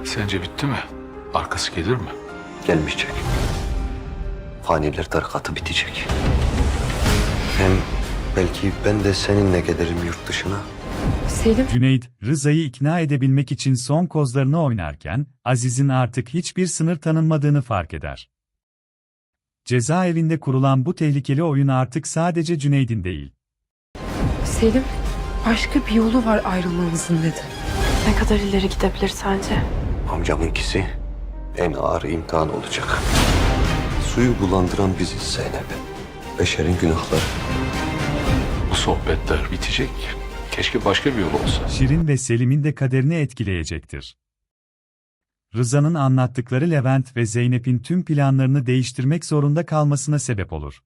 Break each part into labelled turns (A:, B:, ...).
A: Sence bitti mi? Arkası gelir mi?
B: Gelmeyecek. Faniler tarikatı bitecek. Hem belki ben de seninle gelirim yurt dışına.
C: Selim,
D: Cüneyt, Rıza'yı ikna edebilmek için son kozlarını oynarken, Aziz'in artık hiçbir sınır tanınmadığını fark eder. Cezaevinde kurulan bu tehlikeli oyun artık sadece Cüneyt'in değil.
C: Selim, başka bir yolu var ayrılmamızın dedi.
E: Ne kadar ileri gidebilir sence?
B: Amcamınkisi en ağır imtihan olacak. Suyu bulandıran biziz Zeynep. Beşerin günahları.
A: Bu sohbetler bitecek. Keşke başka bir yol olsa.
D: Şirin ve Selim'in de kaderini etkileyecektir. Rıza'nın anlattıkları Levent ve Zeynep'in tüm planlarını değiştirmek zorunda kalmasına sebep olur.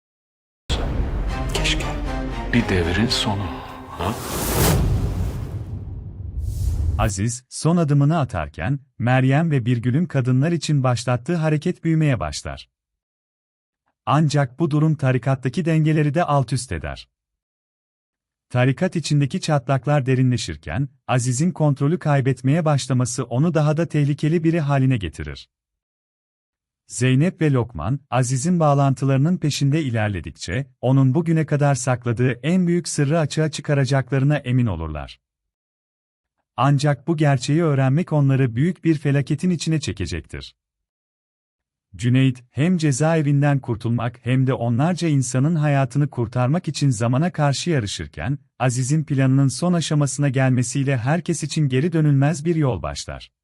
B: Keşke.
A: Bir devrin sonu. Ha?
D: Aziz, son adımını atarken, Meryem ve Birgül'ün kadınlar için başlattığı hareket büyümeye başlar. Ancak bu durum tarikattaki dengeleri de altüst eder. Tarikat içindeki çatlaklar derinleşirken, Aziz'in kontrolü kaybetmeye başlaması onu daha da tehlikeli biri haline getirir. Zeynep ve Lokman, Aziz'in bağlantılarının peşinde ilerledikçe, onun bugüne kadar sakladığı en büyük sırrı açığa çıkaracaklarına emin olurlar. Ancak bu gerçeği öğrenmek onları büyük bir felaketin içine çekecektir. Cüneyt, hem cezaevinden kurtulmak hem de onlarca insanın hayatını kurtarmak için zamana karşı yarışırken, Aziz'in planının son aşamasına gelmesiyle herkes için geri dönülmez bir yol başlar.